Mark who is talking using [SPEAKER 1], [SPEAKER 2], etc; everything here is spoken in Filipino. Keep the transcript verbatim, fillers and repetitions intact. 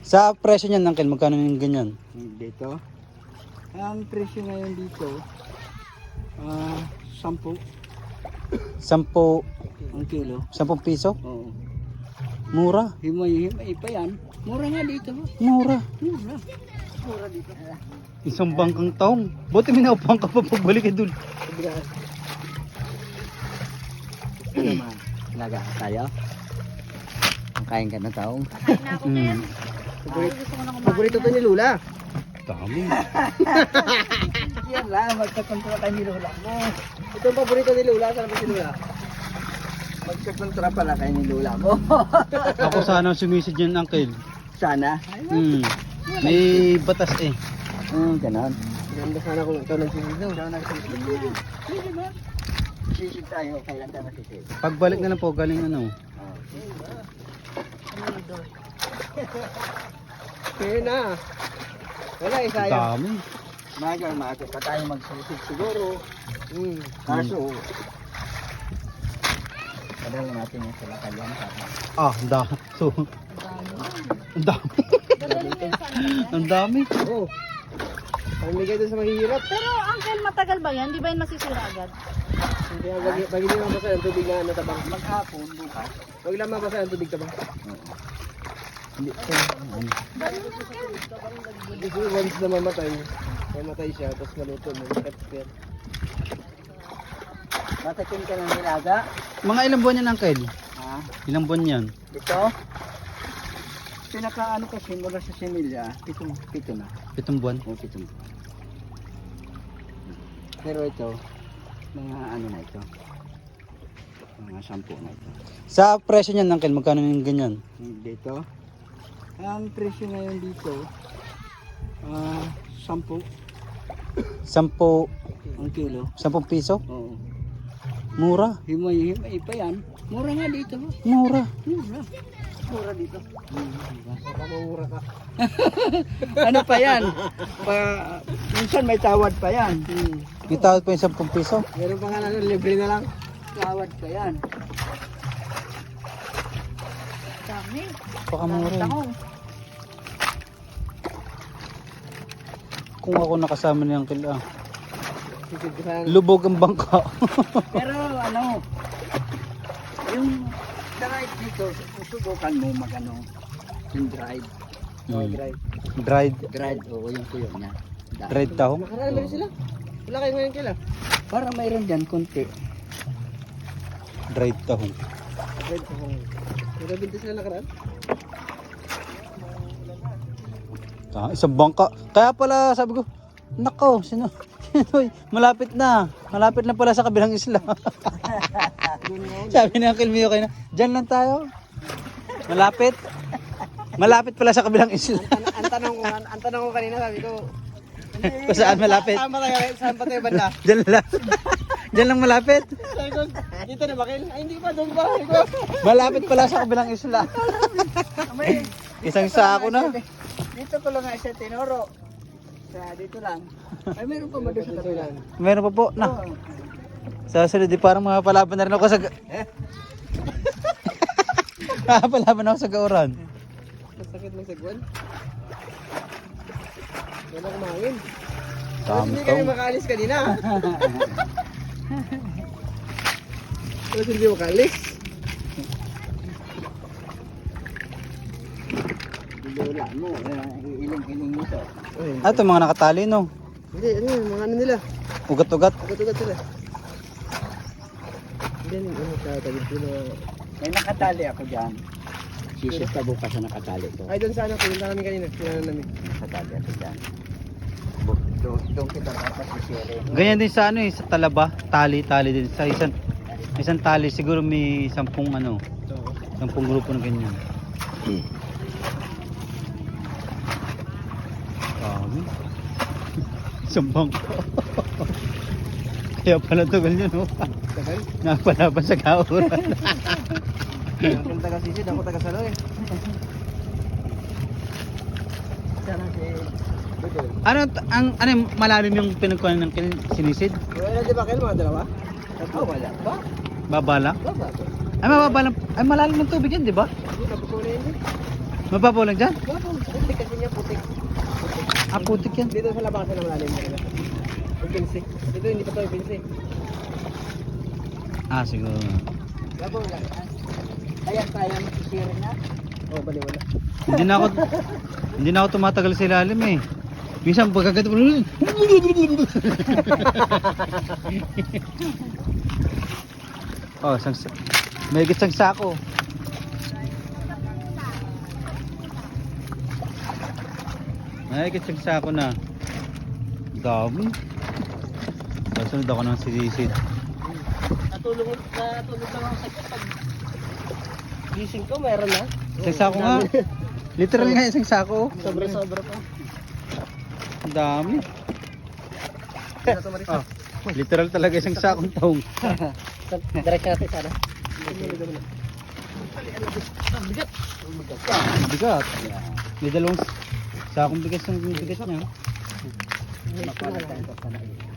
[SPEAKER 1] Sa presyo niyan, Uncle, magkano yung ganyan?
[SPEAKER 2] Dito. Ang presyo ngayon dito, ah, sampu
[SPEAKER 1] Sampo,
[SPEAKER 2] ang kilo.
[SPEAKER 1] sampung piso?
[SPEAKER 2] Oo.
[SPEAKER 1] Mura.
[SPEAKER 2] Himay-himay pa yan. Mura nga dito.
[SPEAKER 1] Mura.
[SPEAKER 2] Mura. Mura dito.
[SPEAKER 1] Isang bangkang taong. Buti minaupuan ka pa pagbalik eh dun.
[SPEAKER 2] Gusto naman. Laga tayo. Ang kain ka na taong.
[SPEAKER 3] Kain na ako, Ken. Ay, gusto ko na kumain.
[SPEAKER 2] Paborito to ni Lula.
[SPEAKER 1] Dami.
[SPEAKER 2] Yan lang, magkakontra kayo ni Lula mo. Ito ang paborito ni Lula. Saan ba si Lula? Magkakontra pala kayo ni Lula mo.
[SPEAKER 1] Ako sana sumisid yan, Uncle.
[SPEAKER 2] Sana.
[SPEAKER 1] Hmm. May batas eh.
[SPEAKER 2] Hmm, ganon. Ganda sana kung ikaw nagsisid daw. Ikaw nagsisid. Sige ba? Sisid tayo. Kailan tayo masisid?
[SPEAKER 1] Pagbalik na lang po, galing ano.
[SPEAKER 2] Kaya na. Wala eh, sayang.
[SPEAKER 1] Dami.
[SPEAKER 2] Maga, maga pa tayo magsisid siguro. Hmm. Kaso, padala natin yung sila kalyan.
[SPEAKER 1] Ah, ang dami. So, ang dami. Ang dami.
[SPEAKER 2] Oo. Pamigay doon sa mahihirap.
[SPEAKER 3] Pero, Uncle, matagal ba yan? Di ba yan masisira agad?
[SPEAKER 2] Hindi nga, wag, wag hindi mabasa ang tubig na natabang. Maghapon, bukas. Wag lang mabasa ang tubig tabang. Hindi. Gusto ko once na mamatay. Mamatay siya, tapos maluto mo. Pepper. Matakin ka ng nilaga.
[SPEAKER 1] Mga ilang buwan yan, Uncle?
[SPEAKER 2] Ha?
[SPEAKER 1] Ilang buwan yan?
[SPEAKER 2] Ito? Pinaka ano kasi mula sa similya, pitong, pito na.
[SPEAKER 1] Pitong buwan?
[SPEAKER 2] O, pitong. Pero ito, mga ano na ito. Mga sampu na ito.
[SPEAKER 1] Sa presyo niyan, Uncle, magkano yung ganyan?
[SPEAKER 2] Dito. Ang presyo ngayon dito, ah, sampu
[SPEAKER 1] Sampo,
[SPEAKER 2] ang kilo.
[SPEAKER 1] sampung piso?
[SPEAKER 2] Oo.
[SPEAKER 1] Mura.
[SPEAKER 2] Himay-himay pa yan. Mura nga dito.
[SPEAKER 1] Mura.
[SPEAKER 2] Mura. Mura dito. Mura ka. Ano pa yan? Pa, minsan may tawad pa yan. Hmm.
[SPEAKER 1] May tawad pa yung sampung piso.
[SPEAKER 2] Meron pa nga na libre na lang. Tawad pa yan.
[SPEAKER 3] Dami.
[SPEAKER 1] Baka mura yun.
[SPEAKER 3] Tango.
[SPEAKER 1] Kung ako nakasama ni Uncle, ah.
[SPEAKER 2] Sisid ka sana.
[SPEAKER 1] Lubog ang bangka.
[SPEAKER 2] Pero ano, yung dried dito, susubukan mo magano, yung dried. Oh,
[SPEAKER 1] Hmm.
[SPEAKER 2] dried.
[SPEAKER 1] Dried.
[SPEAKER 2] Dried, oo, yung tuyo niya. Da-
[SPEAKER 1] Dried taho.
[SPEAKER 2] Nakaraan meron sila. Wala kayo ngayon kila. Para mayroon dyan, konti.
[SPEAKER 1] Dried taho.
[SPEAKER 2] Dried ko kung... Nagabinti sila nakaraan?
[SPEAKER 1] Ah, isang bangka. Kaya pala sabi ko, nako, sino? Sino? Malapit na. Malapit na pala sa kabilang isla. Sabi ni Uncle Mio kayo na, dyan lang tayo. Malapit. Malapit pala sa kabilang isla.
[SPEAKER 2] Ang, ang, tanong ko, ang, ang tanong ko kanina, sabi ko,
[SPEAKER 1] Kung saan malapit?
[SPEAKER 2] Saan ba tayo? Saan pa tayo banda?
[SPEAKER 1] Dyan lang. Dyan lang malapit.
[SPEAKER 2] Sabi ko, dito na bakil? Ay, hindi pa, doon pa. Sabi ko,
[SPEAKER 1] Malapit pala sa kabilang isla.
[SPEAKER 2] may,
[SPEAKER 1] Isang sako na.
[SPEAKER 2] dito ko lang nga siya tinuro. Sa dito lang. Ay, meron pa ba doon sa tabi?
[SPEAKER 1] Meron pa po na. Sa sunod, di parang mapapalaban na rin ako sa... ga- Mapapalaban ako sa gauran.
[SPEAKER 2] Masakit ng sagwan. Wala kumangin. Tapos
[SPEAKER 1] Dami
[SPEAKER 2] hindi kami
[SPEAKER 1] taong.
[SPEAKER 2] makaalis kanina. Tapos hindi makaalis. Wala mo, iling-iling mo to.
[SPEAKER 1] Ah, ito mga nakatali, no?
[SPEAKER 2] Hindi, ano yun, mga ano nila.
[SPEAKER 1] Ugat-ugat.
[SPEAKER 2] Ugat-ugat sila. Hindi, ano sa tagid ko na... May nakatali ako dyan. Sisis ka bukas na nakatali ko. Ay, doon sa ano, pinunta namin kanina. Pinunta namin. Nakatali ako dyan. Doon, doon kita dapat sisiri.
[SPEAKER 1] Ganyan din sa ano eh, sa talaba. Tali-tali din. Sa isang, isang tali, siguro may sampung ano, sampung grupo na ganyan. Dami. Isang bangko. Kaya pala tugal yun, no?
[SPEAKER 2] Tagal?
[SPEAKER 1] Napalaban sa kauran.
[SPEAKER 2] Ako taga-sisid, ako taga-saloy. Sana si... Budol.
[SPEAKER 1] Ano, t- ang, ano yung malalim yung pinagkuhan ng kin- sinisid?
[SPEAKER 2] Wala di ba kayo mga dalawa? Tatlo, wala ba?
[SPEAKER 1] Babala?
[SPEAKER 2] Baba.
[SPEAKER 1] Ay, mababa lang. Ay, malalim ng tubig yan, di ba?
[SPEAKER 2] Hindi, nabuko na yun eh.
[SPEAKER 1] Mababaw lang dyan?
[SPEAKER 2] Putik kasi niya, putik.
[SPEAKER 1] Ah, putik yan.
[SPEAKER 2] Dito sa labasan ng malalim niya. Yung pinsi. Dito hindi pa to yung pinsi.
[SPEAKER 1] Ah, siguro.
[SPEAKER 2] Labaw lang. Kaya kaya masisirin na. Oo, bali wala.
[SPEAKER 1] Hindi na ako, hindi na ako tumatagal sa ilalim eh. Minsan pagkagat ko. Oh, sang may gitsang sako. May gitsang sako na. Dami. Kasunod ako ng sisisid.
[SPEAKER 2] Natulong, natulog lang ako sa pag gising ko, meron na.
[SPEAKER 1] Isang sako nga. Literal nga isang sako.
[SPEAKER 2] Sobra-sobra pa.
[SPEAKER 1] Ang dami. Oh, literal talaga isang sakong taong.
[SPEAKER 2] Diretso natin sana.
[SPEAKER 1] Bigat. May dalawang sakong bigas ng bigat niya.
[SPEAKER 2] Mapalat tayo pa na.